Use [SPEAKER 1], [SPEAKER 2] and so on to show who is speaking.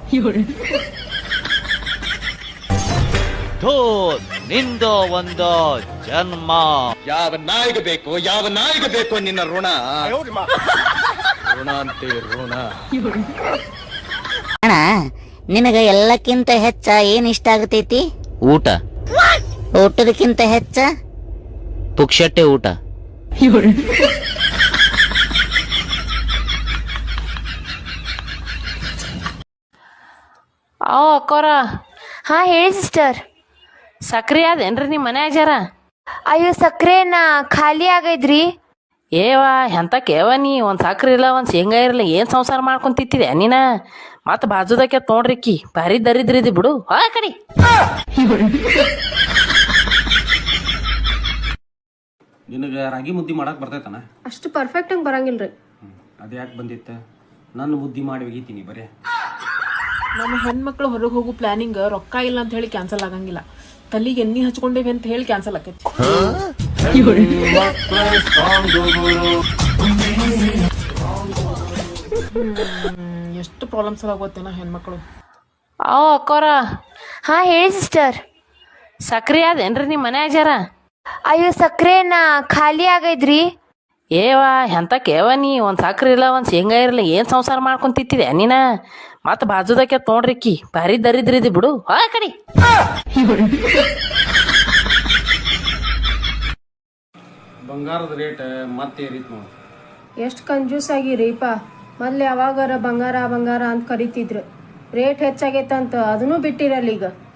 [SPEAKER 1] ಥೋ ನಿಂದ ಒಂದು ಜನ್ಮ.
[SPEAKER 2] ಯಾವ ನಾಯಿಗೆ ಬೇಕು ನಿನ್ನ ಋಣ ಅಂತೆ ಋಣ.
[SPEAKER 3] ಅಣ್ಣ ನಿನಗ ಎಲ್ಲಕ್ಕಿಂತ ಹೆಚ್ಚ ಏನ್ ಇಷ್ಟ ಆಗತೈತಿ?
[SPEAKER 1] ಊಟ.
[SPEAKER 3] ಊಟದಕ್ಕಿಂತ ಹೆಚ್ಚ
[SPEAKER 1] ಪುಕ್ಷಟ್ಟೆ ಊಟ.
[SPEAKER 4] ಅಕ್ಕೋರ.
[SPEAKER 5] ಹಾ ಹೇಳಿ ಸಿಸ್ಟರ್.
[SPEAKER 4] ಸಕ್ರಿ ಅದೇನ್ರಿ ನಿಮ್ಮ ಮನ್ಯಾಗ ಜರ?
[SPEAKER 5] ಅಯ್ಯೋ ಸಕ್ಕರೆನ ಖಾಲಿ ಆಗೈದ್ರಿ.
[SPEAKER 4] ಏವಾ ಎಂತ ಕೇವ ನೀ ಒಂದು ಸಕ್ರೆ ಇಲ್ಲ ಒಂದು ಶೇಂಗಾ ಇರಲ್ಲ ಏನು ಸಂಸಾರ ಮಾಡ್ಕೊಂತಿತ್ತಿದೆ ನೀನ? ಮತ್ತೆ ಬಾಜುದಕ್ಕೆ ನೋಡ್ರಿಕ್ಕಿ ಭಾರಿ ದರಿದ್ರಿದಿ ಬಿಡು. ಆ ಕಡಿ
[SPEAKER 6] ನಿನಗೆ ರಾಗಿ ಮುದ್ದೆ ಮಾಡಕ್ಕೆ ಬರ್ತೈತನ?
[SPEAKER 7] ಅಷ್ಟು ಪರ್ಫೆಕ್ಟ್ ಆಗಿ ಬರಂಗಿಲ್ರಿ.
[SPEAKER 6] ಅದು ಯಾಕೆ ಬಂದಿತ್ತು? ನನ್ನ ಮುದ್ದೆ ಮಾಡಿ ಒಗಿತೀನಿ ಬರೇ.
[SPEAKER 7] ನಮ್ಮ ಹೆಣ್ಮಕ್ಳು ಹೊರಗೆ ಹೋಗೋ ಪ್ಲಾನಿಂಗ್ ರೊಕ್ಕ ಇಲ್ಲ ಅಂತ ಹೇಳಿ ಕ್ಯಾನ್ಸಲ್ ಆಗಂಗಿಲ್ಲ. ತಲೆಗೆ ಎಣ್ಣೆ ಹಚ್ಕೊಂಡೇವಿ ಅಂತ ಹೇಳಿ ಕ್ಯಾನ್ಸಲ್ ಆಕೈತಿ. ಎಷ್ಟು ಪ್ರಾಬ್ಲಮ್ಸ್ ಆಗೋತ್ತೇನ ಹೆಣ್ಮಕ್ಳು.
[SPEAKER 4] ಅಕ್ಕೋರ.
[SPEAKER 5] ಹಾ ಹೇಳಿ ಸಿಸ್ಟರ್.
[SPEAKER 4] ಸಕ್ರಿ ಅದೇನ್ರಿ ನಿಮ್ಮ ಮನ್ಯಾಗ ಜರ?
[SPEAKER 5] ಅಯ್ಯೋ ಸಕ್ಕರೆನ ಖಾಲಿ ಆಗೈದ್ರಿ.
[SPEAKER 4] ಏವಾ ಎಂತ ಕೇವ ನೀ ಒಂದು ಸಕ್ರೆ ಇಲ್ಲ ಒಂದು ಶೇಂಗಾ ಇರಲ್ಲ ಏನು ಸಂಸಾರ ಮಾಡ್ಕೊಂತಿತ್ತಿದೆ ನೀನ? ಮತ್ತೆ ಬಾಜುದಕ್ಕೆ ನೋಡ್ರಿಕ್ಕಿ ಭಾರಿ ದರಿದ್ರಿದಿ ಬಿಡು. ಆ ಕಡಿ
[SPEAKER 6] ಬಂಗಾರದ ರೇಟ್ ಮತ್ತೆ ಏರಿತ್ ನೋಡಿ.
[SPEAKER 7] ಎಷ್ಟು ಕಂಜೂಸ್ ಆಗಿರಿಪ್ಪ. ಮೊದ್ಲು ಯಾವಾಗಾರ ಬಂಗಾರ ಬಂಗಾರ ಅಂತ ಕರಿತಿದ್ರು. ರೇಟ್ ಹೆಚ್ಚಾಗೈತಂತ ಅದನ್ನೂ ಬಿಟ್ಟಿರಲ್ಲ ಈಗ.